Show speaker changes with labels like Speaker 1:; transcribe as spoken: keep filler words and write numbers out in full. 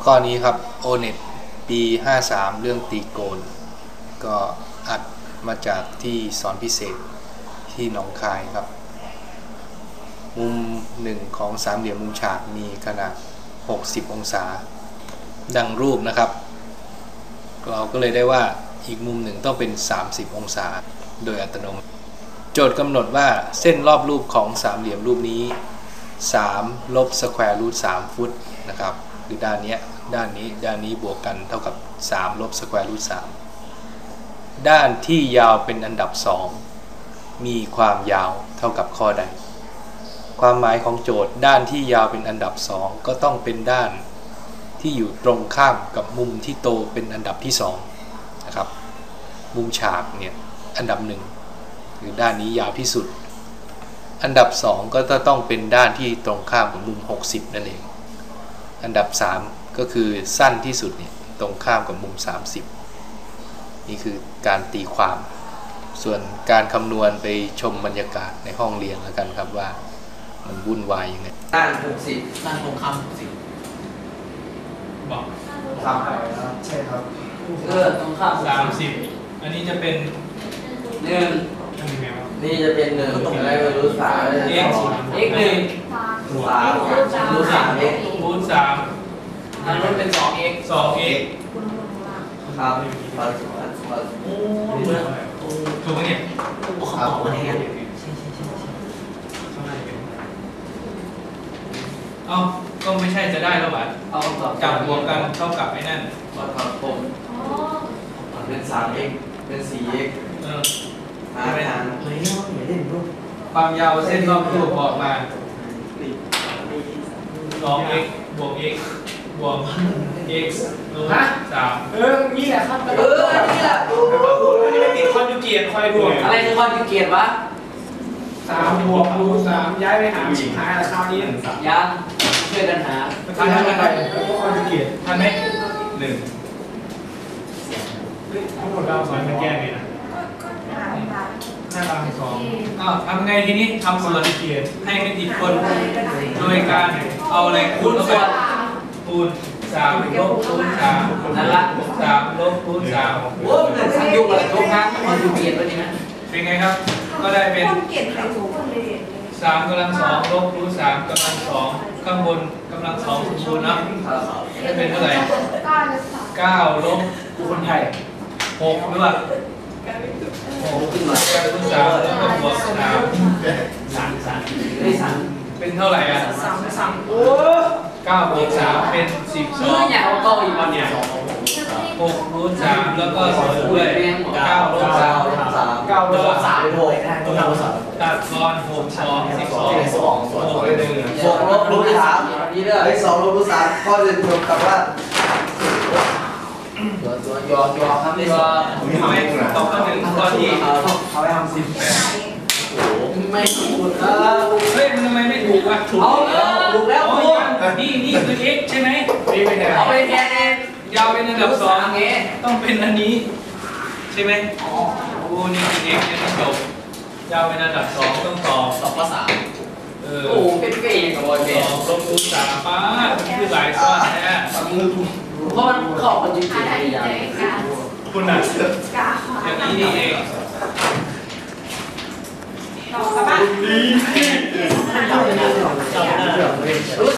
Speaker 1: ข้อนี้ครับ โอ เน็ต ปี ห้าสาม เรื่องตีโกนก็อัดมาจากที่สอนพิเศษที่หนองคายครับมุมหนึ่งของสามเหลี่ยมมุมฉากมีขนาดหกสิบองศาดังรูปนะครับเราก็เลยได้ว่าอีกมุมหนึ่งต้องเป็นสามสิบองศาโดยอัตโนมัติโจทย์กำหนดว่าเส้นรอบรูปของสามเหลี่ยมรูปนี้สามลบสแควร์รูทสามฟุตนะครับคือด้านนี้ด้านนี้ด้านนี้บวกกันเท่ากับสามลบสแควร์รูทสามด้านที่ยาวเป็นอันดับสองมีความยาวเท่ากับข้อใดความหมายของโจทย์ด้านที่ยาวเป็นอันดับสองก็ต้องเป็นด้านที่อยู่ตรงข้ามกับมุมที่โตเป็นอันดับที่สองนะครับมุมฉากเนี่ยอันดับหนึ่งคือด้านนี้ยาวที่สุดอันดับสองก็จะต้องเป็นด้านที่ตรงข้ามกับมุมหกสิบนั่นเองอันดับสามก็คือสั้นที่สุดเนี่ยตรงข้ามกับมุมสามสิบนี่คือการตีความส่วนการคำนวณไปชมบรรยากาศในห้องเรียนแล้วกันครับว่ามันวุ่นวายยังไง
Speaker 2: ด้านหกสิบ
Speaker 3: ด้านตรงข้ามหกสิบบอก
Speaker 2: ครับใช่ครับ
Speaker 3: เออตรงข้าม
Speaker 4: สามสิบอันนี้จะเป็น
Speaker 3: หนึ่ง
Speaker 2: นี่จะเป็นหนึ่งอะไรไม่รู้สาม
Speaker 3: x x หนึ่ง
Speaker 2: สามรู้สาม x
Speaker 4: รูทสาม
Speaker 3: อันนั้นเป็นสอง x
Speaker 4: สอง x
Speaker 2: ครับ
Speaker 3: โอ้
Speaker 4: ถูกไหมเนี่ย
Speaker 3: ครับ
Speaker 4: เอ้าก็ไม่ใช่จะได้แล้วหรอ
Speaker 3: เอา
Speaker 4: จับบวกกันเท่ากับไอ้นั่น
Speaker 2: ครับผมเป็นสาม x เป็นสี่ x
Speaker 4: เออ
Speaker 2: มาไม่ทันเฮ้ยไม่เล่นรูป
Speaker 4: ความยาวเส้นรอบรูปบอกมาสอง x บวก x บวก x รูทสาม
Speaker 3: เออนี่แหละครับเออนี่แหละ
Speaker 4: อันนี้ไม่ติดคอนจูเกตคอยบวก
Speaker 3: อะไรคือคอนจูเกตวะ
Speaker 4: สามบวกรูทสามย้ายไปหาชิบหายแล้วคราวนี้
Speaker 3: ยังช่วยกันหา
Speaker 4: ทันไหมแล้วก็คอนจูเกตทันไหมหนึ่งทั้งหมดเราสอนมาแก้ไงนะห้าตามสองอ้าวทำไงทีนี้ทำส่วนเกียรให้ไม่ติดคนโดยการเอาอะไรคูณเข้าไปคูณสามลบคูณสาม
Speaker 3: นั่นละ
Speaker 4: สามลบคูณสาม
Speaker 3: โอ้เหมือนสังยุกอะไรทุกครั้งมันดูเปลี่ยนไปนี่นะ
Speaker 4: เป็นไงครับก็ได้เป็นสามกำลังสองลบคูณสามกำลังสองข้างบนกำลังสองคูณนะได้เป็นเท่าไหร่เก้าลบคูณไทยหกหรือเปล่าหกคูณสามแล้วก็บวกสาม
Speaker 3: สามสามได้สาม
Speaker 4: เป็นเท่าไหร่อ่ะ
Speaker 3: สามสามโอ้
Speaker 4: เก้าบวกสามเป็นสิบสอง
Speaker 3: เนี่ยเอาเก้าอีกวันเนี่ย
Speaker 4: หกคูณสามแล้วก็สองด้วยเก้าลบสาม
Speaker 2: เก้าลบสามเป็นหก
Speaker 4: ตัดก่อนหกสองสิบสองหกหนึ่ง
Speaker 2: หกลบรูทสามไอ้สองลบรูทสามข้อจะรวมกับว่า
Speaker 3: ตัวยอยอครับนี่ก็
Speaker 4: ทำไมตอบข้อหนึ่งข้อที่
Speaker 2: เขาไปทำสิบแปด
Speaker 3: โอ้ไม่ถูกเออ
Speaker 4: เฮ้ยมันทำไมไม่ถูกวะ
Speaker 3: ถูกถูกแล้วถูก
Speaker 4: นี่นี่คือ x ใช่ไหม
Speaker 3: เอาไปแทนเอง
Speaker 4: ยาวเป็นอันดับสองต้องเป็นอันนี้ใช่ไหมอ๋อโอ้นี่คือ x เนี่ยจบยาวเป็นอันดับสองต้องตอบ
Speaker 3: สองภาษา
Speaker 4: เออ
Speaker 3: โอ้เป็นเก่งกับบอยเป็น
Speaker 4: สองลบคูณสามป้าคือหลายข้อแน่
Speaker 3: เพราะมันเข้าคนจริงๆ
Speaker 4: คุณน่ะอย่างนี้นี่เอง
Speaker 5: ต่อไปบ้าง